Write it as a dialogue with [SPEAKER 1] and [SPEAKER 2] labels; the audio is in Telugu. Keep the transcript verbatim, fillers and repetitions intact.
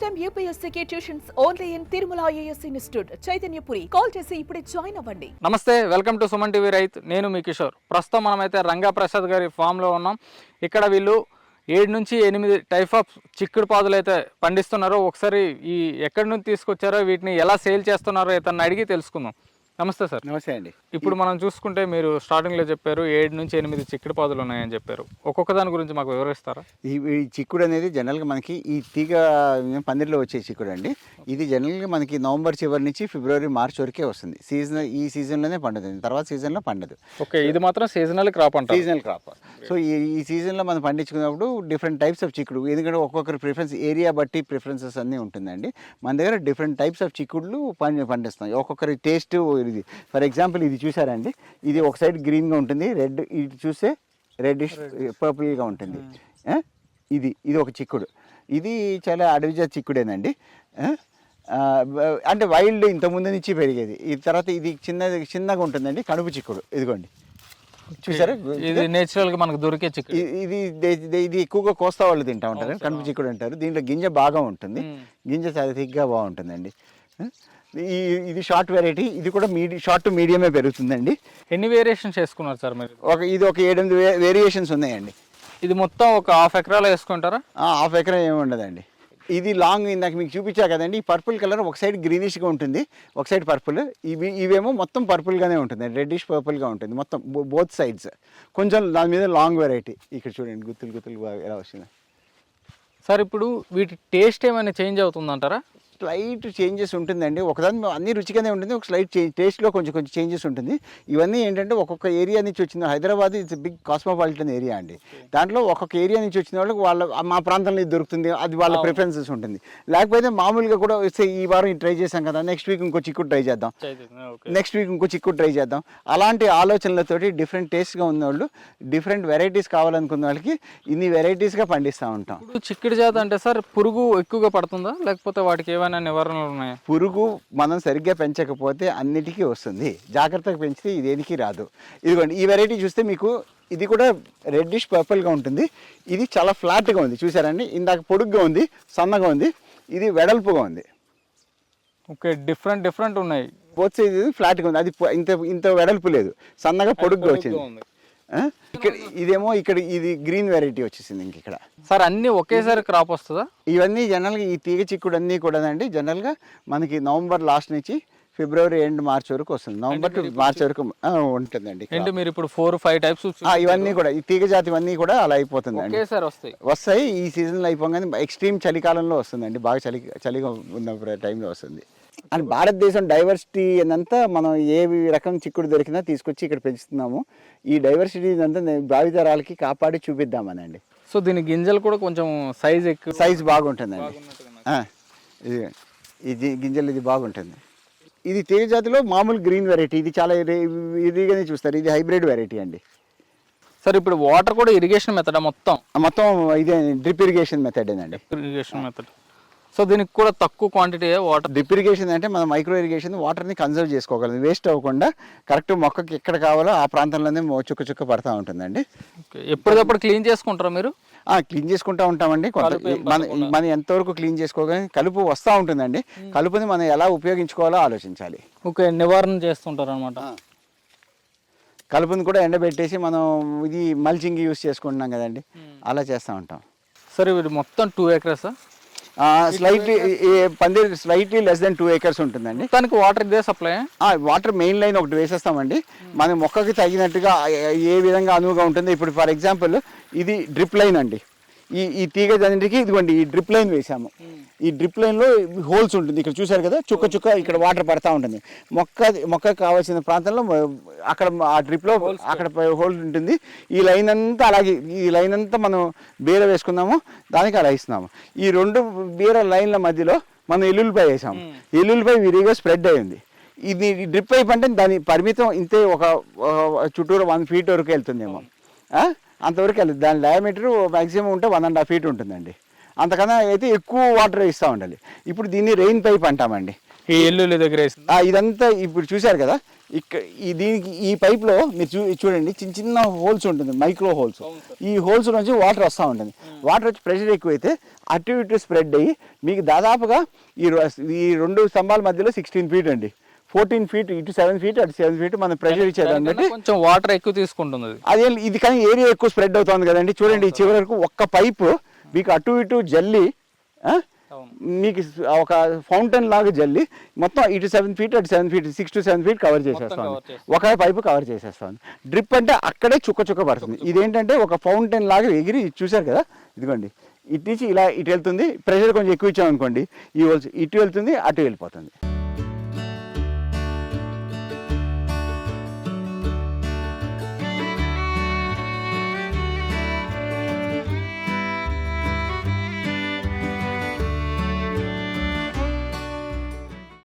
[SPEAKER 1] టైమ్ యూపీఎస్సీకి tuitions only in Tirumala IAS institute Chaitanyapuri. Call చేసి ఇప్పుడే జాయిన్ అవ్వండి.
[SPEAKER 2] నమస్తే, వెల్కమ్ టు సుమన్ టీవీ రైతు. నేను మీ కిషోర్. ప్రస్తుతం మనమైతే రంగా ప్రసాద్ గారి ఫామ్లో ఉన్నాం. ఇక్కడ వీళ్ళు ఏడు నుంచి ఎనిమిది టైప్ ఆఫ్ చిక్కుడు పాదులు అయితే పండిస్తున్నారో ఒకసారి ఈ ఎక్కడి నుంచి తీసుకొచ్చారో వీటిని ఎలా సేల్ చేస్తున్నారో ఇతన్ని అడిగి తెలుసుకుందాం. నమస్తే సార్.
[SPEAKER 3] నమస్తే అండి.
[SPEAKER 2] ఇప్పుడు మనం చూసుకుంటే మీరు స్టార్టింగ్లో చెప్పారు ఏడు నుంచి ఎనిమిది చిక్కుడు పాదులు ఉన్నాయని చెప్పారు. ఒక్కొక్క దాని గురించి మాకు వివరిస్తారా?
[SPEAKER 3] ఈ ఈ చిక్కుడు అనేది జనరల్గా మనకి ఈ తీగ పందిరిలో వచ్చే చిక్కుడు అండి. ఇది జనరల్గా మనకి నవంబర్ చివరి నుంచి ఫిబ్రవరి మార్చ్ వరకే వస్తుంది. సీజన్ ఈ సీజన్లోనే పండుతుంది, తర్వాత సీజన్లో పండదు.
[SPEAKER 2] ఓకే, ఇది మాత్రం సీజనల్ క్రాప్ అంటారు.
[SPEAKER 3] Seasonal crop. సో ఈ ఈ సీజన్లో మనం పండించుకున్నప్పుడు డిఫరెంట్ టైప్స్ ఆఫ్ చిక్కుడు, ఎందుకంటే ఒక్కొక్కరి ప్రిఫరెన్స్ ఏరియా బట్టి ప్రిఫరెన్సెస్ అన్నీ ఉంటుందండి. మన దగ్గర డిఫరెంట్ టైప్స్ ఆఫ్ చిక్కుడులు పండి పండిస్తాం. ఒక్కొక్కరి టేస్ట్ ఇది. ఫర్ ఎగ్జాంపుల్ ఇది చూసారండి, ఇది ఒక సైడ్ గ్రీన్గా ఉంటుంది, రెడ్ ఇది చూస్తే రెడ్డిష్ పర్పుల్గా ఉంటుంది. ఇది ఇది ఒక చిక్కుడు. ఇది చాలా అడవిజా చిక్కుడేనండి. అంటే వైల్డ్ ఇంతకుముందు నుంచి పెరిగేది. ఈ తర్వాత ఇది చిన్న చిన్నగా ఉంటుందండి, కడుపు చిక్కుడు. ఇదిగోండి చూసారా,
[SPEAKER 2] ఇది నేచురల్ గా మనకు దొరికే చిక్కుడు.
[SPEAKER 3] ఇది ఇది ఎక్కువగా కోస్తా వాళ్ళు తింటా ఉంటారు, కడుపు చిక్కుడు అంటారు. దీంట్లో గింజ బాగా ఉంటుంది, గింజ చాలా థిక్గా బాగుంటుందండి. ఈ ఇది షార్ట్ వెరైటీ. ఇది కూడా మీడియం షార్ట్ టు మీడియమే పెరుగుతుందండి.
[SPEAKER 2] ఎన్ని వేరియేషన్స్ వేసుకున్నారు సార్ మీరు?
[SPEAKER 3] ఒక ఇది ఒక ఏడెనిమిది వేరియేషన్స్ ఉన్నాయండి.
[SPEAKER 2] ఇది మొత్తం ఒక హాఫ్ ఎకరాలో వేసుకుంటారా?
[SPEAKER 3] హాఫ్ ఎకరా ఏమి ఉండదండి. ఇది లాంగ్ ఇందాక మీకు చూపించా కదండి, ఈ పర్పుల్ కలర్ ఒక సైడ్ గ్రీనిష్గా ఉంటుంది, ఒక సైడ్ పర్పుల్. ఇవి ఇవేమో మొత్తం పర్పుల్గానే ఉంటుంది, రెడ్డిష్ పర్పుల్గా ఉంటుంది మొత్తం బోత్ సైడ్స్. కొంచెం దాని మీద లాంగ్ వెరైటీ. ఇక్కడ చూడండి గుత్తులు గుత్తులు ఎలా వస్తుంది
[SPEAKER 2] సార్. ఇప్పుడు వీటి టేస్ట్ ఏమైనా చేంజ్ అవుతుందంటారా?
[SPEAKER 3] స్లైట్ చేంజెస్ ఉంటుందండి. ఒకదాని అన్ని రుచిగానే ఉంటుంది, ఒక స్లైట్ చేంజ్ టేస్ట్లో కొంచెం కొంచెం చేంజెస్ ఉంటుంది. ఇవన్నీ ఏంటంటే ఒక్కొక్క ఏరియా నుంచి వచ్చిన, Hyderabad it's big cosmopolitan area అండి. దాంట్లో ఒక్కొక్క ఏరియా నుంచి వచ్చిన వాళ్ళకి వాళ్ళ మా ప్రాంతంలో ఇది దొరుకుతుంది, అది వాళ్ళ ప్రిఫరెన్సెస్ ఉంటుంది. లేకపోతే మామూలుగా కూడా వస్తే ఈ వారం ఇది ట్రై చేసాం కదా, నెక్స్ట్ వీక్ ఇంకో చిక్కుడు ట్రై చేద్దాం, నెక్స్ట్ వీక్ ఇంకో చిక్కుడు ట్రై చేద్దాం. అలాంటి ఆలోచనలతోటి డిఫరెంట్ టేస్ట్గా ఉన్నవాళ్ళు, డిఫరెంట్ వెరైటీస్ కావాలనుకున్న వాళ్ళకి ఇన్ని వెరైటీస్గా పండిస్తూ ఉంటాం.
[SPEAKER 2] చిక్కుడు జాతి అంటే సార్ పురుగు ఎక్కువగా పడుతుందా, లేకపోతే వాటికి ఏమైనా నివారణలు ఉన్నాయా?
[SPEAKER 3] పురుగు మనం సరిగ్గా పెంచకపోతే అన్నిటికీ వస్తుంది, జాగ్రత్తగా పెంచితే ఇదేనికి రాదు. ఇదిగోండి ఈ వెరైటీ చూస్తే మీకు ఇది కూడా రెడ్డిష్ పర్పుల్గా ఉంటుంది. ఇది చాలా ఫ్లాట్గా ఉంది చూసారండి. ఇందాక పొడుగ్గా ఉంది, సన్నగా ఉంది, ఇది వెడల్పుగా ఉంది.
[SPEAKER 2] ఓకే, డిఫరెంట్ డిఫరెంట్ ఉన్నాయి.
[SPEAKER 3] బోత్ సైడ్ ఫ్లాట్గా ఉంది, అది ఇంత ఇంత వెడల్పు లేదు, సన్నగా పొడుగ్గా వచ్చింది. ఇక్కడ ఇదేమో ఇక్కడ ఇది గ్రీన్ వెరైటీ వచ్చేసింది. ఇంక ఇక్కడ
[SPEAKER 2] సార్ అన్ని ఒకేసారి క్రాప్ వస్తుందా?
[SPEAKER 3] ఇవన్నీ జనరల్గా ఈ తీగ చిక్కుడు అన్నీ కూడా అండి జనరల్గా మనకి నవంబర్ లాస్ట్ నుంచి ఫిబ్రవరి ఎండ్ మార్చ్ వరకు వస్తుంది. నవంబర్ టు మార్చ్ వరకు ఉంటుందండి.
[SPEAKER 2] అంటే మీరు ఇప్పుడు ఫోర్ ఫైవ్ టైప్స్
[SPEAKER 3] ఇవన్నీ కూడా ఈ తీగ జాతి ఇవన్నీ కూడా అలా అయిపోతుందండి,
[SPEAKER 2] వస్తాయి
[SPEAKER 3] వస్తాయి ఈ సీజన్లో అయిపోగానే. ఎక్స్ట్రీమ్ చలికాలంలో వస్తుందండి, బాగా చలి చలిగా ఉన్న టైంలో వస్తుంది. అండ్ భారతదేశం డైవర్సిటీ అంతా మనం ఏ రకం చిక్కుడు దొరికినా తీసుకొచ్చి ఇక్కడ పెంచుతున్నాము. ఈ డైవర్సిటీ అంతా భావితరాలకి కాపాడి చూపిద్దామనండి.
[SPEAKER 2] సో దీని గింజలు కూడా కొంచెం సైజ్ ఎక్కువ,
[SPEAKER 3] సైజ్ బాగుంటుందండి. ఇది ఇది గింజలు ఇది బాగుంటుంది. ఇది తీగ జాతిలో మామూలు గ్రీన్ వెరైటీ. ఇది చాలా ఇదిగానే చూస్తారు, ఇది హైబ్రిడ్ వెరైటీ అండి.
[SPEAKER 2] సార్ ఇప్పుడు వాటర్ కూడా ఇరిగేషన్ మెథడ్ మొత్తం
[SPEAKER 3] మొత్తం ఇదే డ్రిప్ ఇరిగేషన్ మెథడ్ అండి.
[SPEAKER 2] Irrigation method. సో దీనికి కూడా తక్కువ క్వాంటిటీ వాటర్.
[SPEAKER 3] డ్రిప్ ఇరిగేషన్ అంటే మనం మైక్రో ఇరిగేషన్ వాటర్ని కన్సర్వ్ చేసుకోగలం, వేస్ట్ అవ్వకుండా కరెక్ట్ మొక్కకి ఎక్కడ కావాలో ఆ ప్రాంతంలోనే చుక్క చుక్క పడతా ఉంటుందండి.
[SPEAKER 2] ఎప్పటికప్పుడు క్లీన్ చేసుకుంటారా మీరు?
[SPEAKER 3] క్లీన్ చేసుకుంటూ ఉంటామండి. మన మనం ఎంతవరకు క్లీన్ చేసుకోగలం. కలుపు వస్తూ ఉంటుందండి, కలుపుని మనం ఎలా ఉపయోగించుకోవాలో ఆలోచించాలి.
[SPEAKER 2] ఓకే, నివారణ చేస్తుంటారు అనమాట.
[SPEAKER 3] కలుపుని కూడా ఎండబెట్టేసి మనం ఇది మల్చింగ్ యూస్ చేసుకుంటున్నాం కదండి, అలా చేస్తూ ఉంటాం.
[SPEAKER 2] సరే, ఇది మొత్తం టూ ఎకర్స్
[SPEAKER 3] స్లైట్లీ పందిరి slightly less than two acres ఉంటుందండి.
[SPEAKER 2] దానికి వాటర్ ఇదే సప్లై?
[SPEAKER 3] వాటర్ మెయిన్ లైన్ ఒకటి వేసేస్తామండి, మన మొక్కకి తగినట్టుగా ఏ విధంగా అనువుగా ఉంటుంది. ఇప్పుడు ఫర్ ఎగ్జాంపుల్ ఇది డ్రిప్ లైన్ అండి. ఈ ఈ తీగ జన్నికి ఇదిగోండి ఈ డ్రిప్ లైన్ వేసాము. ఈ డ్రిప్ లైన్లో హోల్స్ ఉంటుంది, ఇక్కడ చూసారు కదా, చుక్క చుక్క ఇక్కడ వాటర్ పడతా ఉంటుంది. మొక్క మొక్కకు కావాల్సిన ప్రాంతంలో అక్కడ ఆ డ్రిప్లో అక్కడ హోల్ ఉంటుంది. ఈ లైన్ అంతా అలాగే ఈ లైన్ అంతా మనం బీర వేసుకున్నాము, దానికి అలా ఇస్తున్నాము. ఈ రెండు బీర లైన్ల మధ్యలో మనం ఎల్లుల్లిపాయ వేసాము. ఎల్లుల్లిపాయ విరిగా స్ప్రెడ్ అయ్యింది. ఇది డ్రిప్ పైప్ అంటే దాని పరిమితం ఇంతే, ఒక చుట్టూరు వన్ ఫీట్ వరకు వెళ్తుందేమో, అంతవరకు వెళ్తుంది. దాని డయామీటర్ మ్యాక్సిమం ఉంటే వన్ అండ్ హాఫ్ ఫీట్ ఉంటుందండి. అంతకన్నా అయితే ఎక్కువ వాటర్ ఇస్తూ ఉండాలి. ఇప్పుడు దీన్ని రెయిన్ పైప్ అంటామండి.
[SPEAKER 2] ఈ ఎల్లుల్లి దగ్గర
[SPEAKER 3] ఇదంతా ఇప్పుడు చూశారు కదా, ఇక్కడ ఈ దీనికి ఈ పైప్లో మీరు చూ చూడండి చిన్న చిన్న హోల్స్ ఉంటుంది, మైక్రో హోల్స్. ఈ హోల్స్ నుంచి వాటర్ వస్తూ ఉంటుంది. వాటర్ వచ్చి ప్రెషర్ ఎక్కువైతే అటు ఇటు స్ప్రెడ్ అయ్యి మీకు దాదాపుగా ఈ ఈ రెండు స్తంభాల మధ్యలో సిక్స్టీన్ ఫీట్ అండి, ఫోర్టీన్ ఫీట్ ఇటు సెవెన్ ఫీట్ అటు సెవెన్ ఫీట్ మనం ప్రెషర్ ఇచ్చేదాన్ని బట్టి
[SPEAKER 2] కొంచెం వాటర్ ఎక్కువ తీసుకుంటుంది.
[SPEAKER 3] అదే ఇది కానీ ఏరియా ఎక్కువ స్ప్రెడ్ అవుతుంది కదండి. చూడండి ఈ చివరి వరకు ఒక్క పైపు మీకు అటు ఇటు జల్లి మీకు ఒక ఫౌంటైన్ లాగా జల్లి మొత్తం ఇటు సెవెన్ ఫీట్ అటు seven feet six to seven feet cover చేసేస్తాను. ఒక పైపు కవర్ చేసేస్తాను. డ్రిప్ అంటే అక్కడే చుక్క చుక్క పడుతుంది. ఇదేంటంటే ఒక ఫౌంటైన్ లాగా ఎగిరి చూసారు కదా, ఇదిగోండి ఇటు నుంచి ఇలా ఇటు వెళ్తుంది. ప్రెషర్ కొంచెం ఎక్కువ ఇచ్చామనుకోండి ఈ హోల్స్ ఇటు వెళ్తుంది అటు వెళ్ళిపోతుంది.